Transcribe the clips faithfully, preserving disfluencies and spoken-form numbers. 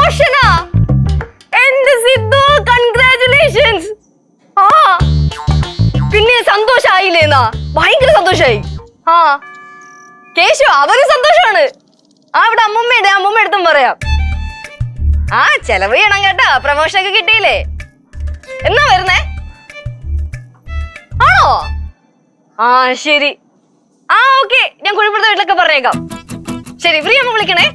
പ്രൊമോഷനാ. എന്റെ സിദ്ധു കൺഗ്രാറ്റുലേഷൻസ്. ആ പിന്നെ സന്തോഷായില്ലേന്നാ? ഭയങ്കര സന്തോഷായി. ആ കേശു അവന് സന്തോഷമാണ്. ആ ഇവിടെ അമ്മൂമ്മയുടെ അമ്മൂമ്മ എടുത്തും പറയാം. ആ ചെലവ് ചെയ്യണം കേട്ടാ, പ്രൊമോഷൻ ഒക്കെ കിട്ടിയില്ലേ. എന്നാ വരുന്നേ? ആണോ? ആ ശരി. ആ ഓക്കെ, ഞാൻ കുഴിപ്പുറത്തെ വീട്ടിലൊക്കെ പറഞ്ഞേക്കാം. ശരി, ഫ്രീ ആകുമ്പോ വിളിക്കണേ.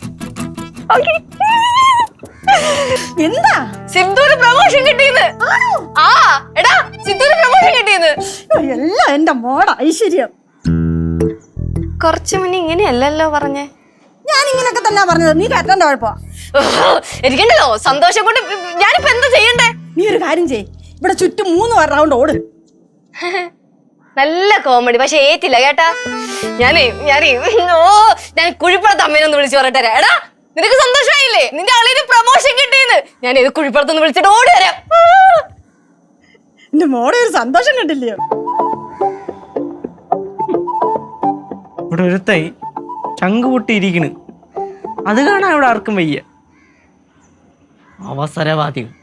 എന്താ സിദ്ധുവിന് പ്രൊമോഷൻ കിട്ടിയെന്ന്? ആ എടാ സിദ്ധുവിന് പ്രൊമോഷൻ കിട്ടിയെന്ന്. എല്ലാം എന്റെ മോടെ ഐശ്വര്യം. കുറച്ചു മുന്നേ ഇങ്ങനെയല്ലല്ലോ പറഞ്ഞേ. ഞാൻ ഇങ്ങനൊക്കെ തന്നെ പറഞ്ഞത്, നീ കേട്ടോണ്ട് കുഴപ്പമാ. എനിക്കുണ്ടല്ലോ സന്തോഷം കൊണ്ട്. ഞാനിപ്പോ എന്താ ചെയ്യണ്ടേ? നീ ഒരു കാര്യം ചെയ്, ഇവിടെ ചുറ്റും മൂന്ന് റൗണ്ട് ഓട്. നല്ല കോമഡി, പക്ഷെ ഏറ്റില്ല കേട്ടാ. ഞാനേ ഞാനേ ഓ ഞാൻ കുഴിപ്പുറത്ത് അമ്മേനൊന്ന് വിളിച്ചു പറയട്ടെ. എടാ നിനക്ക് സന്തോഷമായില്ലേ? നിന്റെ ആളിന് പ്രൊമോഷൻ കിട്ടിയെന്ന്. ഞാൻ ഏത് കുഴിപ്പുറത്തൊന്ന് വിളിച്ചിട്ട് ഓടി വരാം. എന്റെ മോടെ ഒരു സന്തോഷം കണ്ടില്ലയോ? ഇവിടെ ഒരുത്തായി ചങ്ക് പൊട്ടിയിരിക്കണ്, അത് കാണാൻ ഇവിടെ ആർക്കും വയ്യ. അവസരവാദികൾ.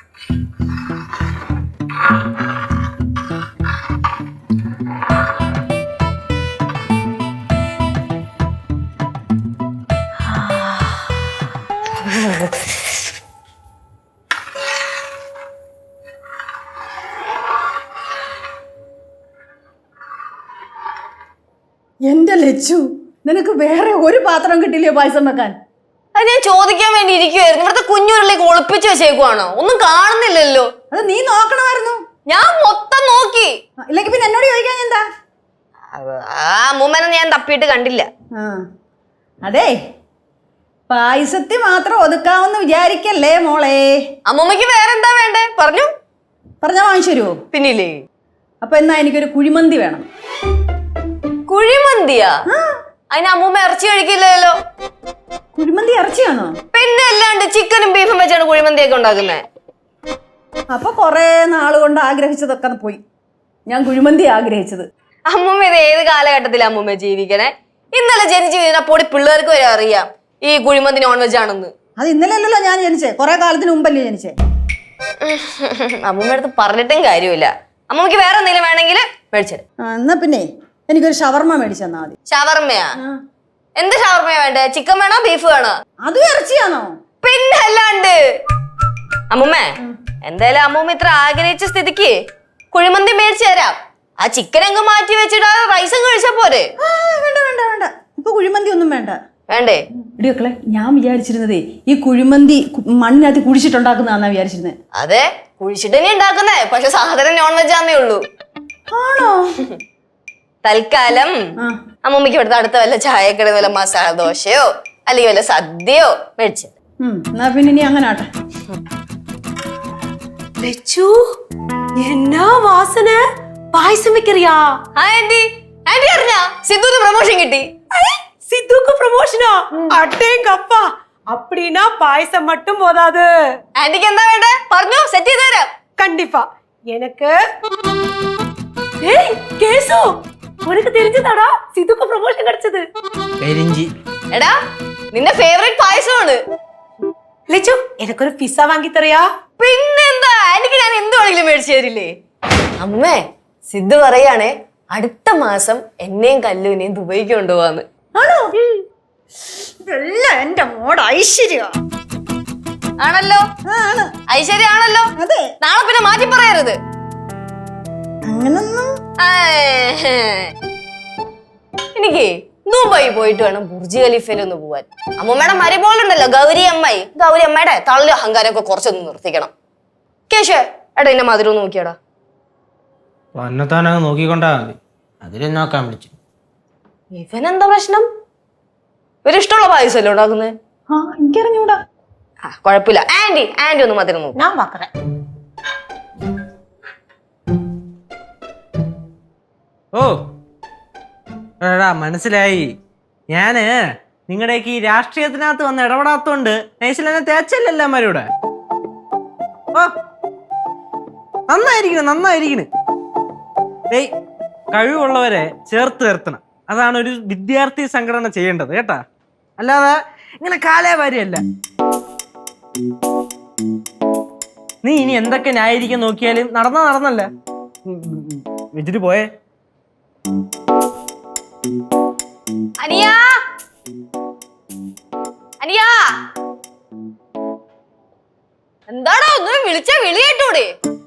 എന്റെ ലച്ചു, നിനക്ക് വേറെ ഒരു പാത്രം കിട്ടില്ലയോ പായസം വെക്കാൻ? അത് ഞാൻ ചോദിക്കാൻ വേണ്ടി ഇരിക്കുവായിരുന്നു. ഇവിടുത്തെ കുഞ്ഞുരുളിലേക്ക് ഒളിപ്പിച്ചു വെച്ചേക്കുവാണോ? ഒന്നും കാണുന്നില്ലല്ലോ. അത് നീ നോക്കണമായിരുന്നു. ഞാൻ മൊത്തം നോക്കി. ഇല്ലെങ്കിൽ പിന്നെ എന്നോട് ചോദിക്കാൻ എന്താ? ആ അമ്മൂമ്മനെ ഞാൻ തപ്പിയിട്ട് കണ്ടില്ല. ആ അതെ, പായസത്തിൽ മാത്രം ഒതുക്കാമെന്ന് വിചാരിക്കല്ലേ മോളെ. അമ്മൂമ്മക്ക് വേറെന്താ വേണ്ടേ? പറഞ്ഞു പറഞ്ഞാ വാങ്ങിച്ചു തരുമോ? പിന്നില്ലേ. അപ്പൊ എന്നാ എനിക്കൊരു കുഴിമന്തി വേണം. കുഴിമന്തിയാ? അതിന് അമ്മൂമ്മ ഇറച്ചി കഴിക്കില്ലല്ലോ. കുഴിമന്തി ഇറച്ചിയാണോ? പിന്നെ അല്ലാണ്ട് ചിക്കനും ബീഫും വെച്ചാണ് കുഴിമന്തിയൊക്കെ ഉണ്ടാക്കുന്നത്. അപ്പൊ കൊറേ നാള് കൊണ്ട് ആഗ്രഹിച്ചതൊക്കെ പോയി. ഞാൻ കുഴിമന്തി ആഗ്രഹിച്ചത്. അമ്മൂമ്മ ഇത് ഏത് കാലഘട്ടത്തിലാണ് അമ്മൂമ്മ ജീവിക്കണേ? ഇന്നലെ ജനിച്ചു കഴിഞ്ഞാൽ പൊടി പിള്ളേർക്ക് വരെ അറിയാം ഈ കുഴിമന്തി നോൺ വെജ് ആണെന്ന്. അത് ഇന്നലെ അല്ലല്ലോ ഞാൻ ജനിച്ചേ, കൊറേ കാലത്തിന് മുമ്പല്ലേ ജനിച്ചേ. അമ്മൂമ്മ അടുത്ത് പറഞ്ഞിട്ടും കാര്യമില്ല. അമ്മൂമ്മക്ക് വേറെ എന്തെങ്കിലും വേണമെങ്കിൽ മേടിച്ചത്. എന്നാ പിന്നെ എനിക്കൊരു ഷവർമ്മ മേടിച്ചു തന്നാ മതി. ഷവർമ്മയാ? എന്ത് ഷവർമ്മയാ വേണ്ടേ? ചിക്കൻ വേണോ ബീഫ് വേണോ? അതും ഇറച്ചിയാണോ? പിന്നെ അല്ലാണ്ട്. അമ്മൂമ്മേ എന്തായാലും അമ്മൂമ്മ ഇത്ര ആഗ്രഹിച്ച സ്ഥിതിക്ക് കുഴിമന്തി മേടിച്ചു തരാം. ആ ചിക്കൻ അങ്ങ് മാറ്റി വെച്ചിട്ട് ആ റൈസും കഴിച്ചാ പോരെ? വേണ്ട വേണ്ട വേണ്ട, ഇപ്പൊ കുഴിമന്തി ഒന്നും വേണ്ട. വേണ്ടേ? ഇടിയൊക്കെ ഞാൻ വിചാരിച്ചിരുന്നതേ ഈ കുഴിമന്തി മണ്ണിനകത്ത് കുഴിച്ചിട്ടുണ്ടാക്കുന്നതാന്നാ വിചാരിച്ചിരുന്നത്. അതെ, കുഴിച്ചിട്ട് തന്നെ ഉണ്ടാക്കുന്നേ. പക്ഷെ സാധനം നോൺ വെജ് ആന്നേ ഉള്ളൂ. ആണോ? തൽക്കാലം അമ്മൂമ്മക്ക് ഇവിടുത്തെ അടുത്ത വല്ല ചായക്കട വല്ല മസാല ദോശയോ അല്ലെങ്കിൽ വല്ല സദ്യയോ മേടിച്ചു. എന്നാ പിന്നെ ഇനി അങ്ങനെ ആട്ടെ. എന്നാ വാസന, പായസം വെക്കറിയാ? ആന്റി ആന്റി അറിഞ്ഞാ സിദ്ധുവിന് പ്രൊമോഷൻ കിട്ടി? സിദ്ധുക്ക് പ്രൊമോഷനാ? അട്ടേങ്കപ്പா, அப்படினா பாயசம் மட்டும் போதாது. ആന്റിക്ക് എന്താ വേണ്ടേ? പറഞ്ഞു, സെറ്റ് ചെയ്ത് തരാം. கண்டிப்பா. எனக்கு ஏய் கேசு, உனக்கு தெரிஞ்சதாடா സിദ്ധുക്ക് പ്രൊമോഷൻ கிடைச்சது? കരിഞ്ചി. എടാ നിന്റെ ഫേവറേറ്റ് പായസമാണ്. ലച്ചു, എനിക്കൊരു പിസ്സ വാങ്ങി തറിയാ? പിന്നെന്താ, ആന്റിക്ക് ഞാൻ എന്ത് വേണമെങ്കിലും മേടിച്ചു തരില്ലേ? അമ്മേ സിദ്ധു പറയാണേ അടുത്ത മാസം എന്നെയും കല്ലുവിനെയും ദുബൈക്ക് കൊണ്ടുപോവാന്ന്. ആണോ? ഇതെല്ലാം എന്റെ മോടെ ഐശ്വര്യ ആണല്ലോ. ഐശ്വര്യ ആണല്ലോ. അതെ. നാളെ പിന്നെ മാറ്റി പറയരുത്. അങ്ങനൊന്നും എനിക്ക് ദുബായി പോയിട്ട് വേണം ബുർജ് ഖലീഫയിൽ ഒന്ന് പോവാൻ. അമ്മൂമ്മയുടെ മരുമോളുണ്ടല്ലോ ഗൗരി അമ്മായി, ഗൗരി അമ്മയുടെ തള്ളി അഹങ്കാരമൊക്കെ കുറച്ചൊന്ന് നിർത്തിക്കണം. കേശു എടാ എന്നെ മധുരം നോക്കിയടാ. വന്നത്താനങ്ങ് നോക്കിക്കൊണ്ടാ മതി, അതിലും നോക്കാൻ വിളിച്ചു. ഇവനെന്താ പ്രശ്നം? ഇവരിഷ്ടമുള്ള പായസമല്ലേ ഉണ്ടാക്കുന്നത്? ആ എനിക്കറിഞ്ഞൂടാ. ആ കുഴപ്പമില്ല. ആന്റി ആന്റി ഒന്ന് മധുരം നോക്കും. ഞാൻ പാക്കറേ. ഓ എടാ മനസ്സിലായി. ഞാന് നിങ്ങളുടെയൊക്കെ ഈ രാഷ്ട്രീയത്തിനകത്ത് വന്ന് ഇടപെടാത്തോണ്ട് നൈസിൽ എന്നെ തേച്ചല്ലേ എല്ലാവരുടെ. ഓ നന്നായിരിക്കണ് നന്നായിരിക്കണ്. ഏയ് കഴിവുള്ളവരെ ചേർത്ത് നിർത്തണം, അതാണ് ഒരു വിദ്യാർത്ഥി സംഘടന ചെയ്യേണ്ടത് കേട്ടാ. അല്ലാതെ ഇങ്ങനെ കാലേ വാരിയല്ല. നീ ഇനി എന്തൊക്കെ ന്യായീകരിക്കാൻ നോക്കിയാലും നടന്ന നടന്നല്ല. ഉം, ഉം, ഉം. വെച്ചിട്ട് പോയേ. അനിയാ അനിയാ എന്താടാ ഒന്ന് വിളിച്ച വിളി കേട്ടൂടെ?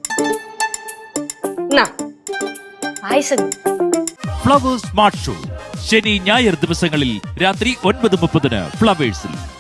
പായസം. ഫ്ലവേഴ്സ് സ്മാർട്ട് ഷോ ശനി ഞായർ ദിവസങ്ങളിൽ രാത്രി ഒൻപത് മുപ്പതിന് ഫ്ലവേഴ്സിൽ.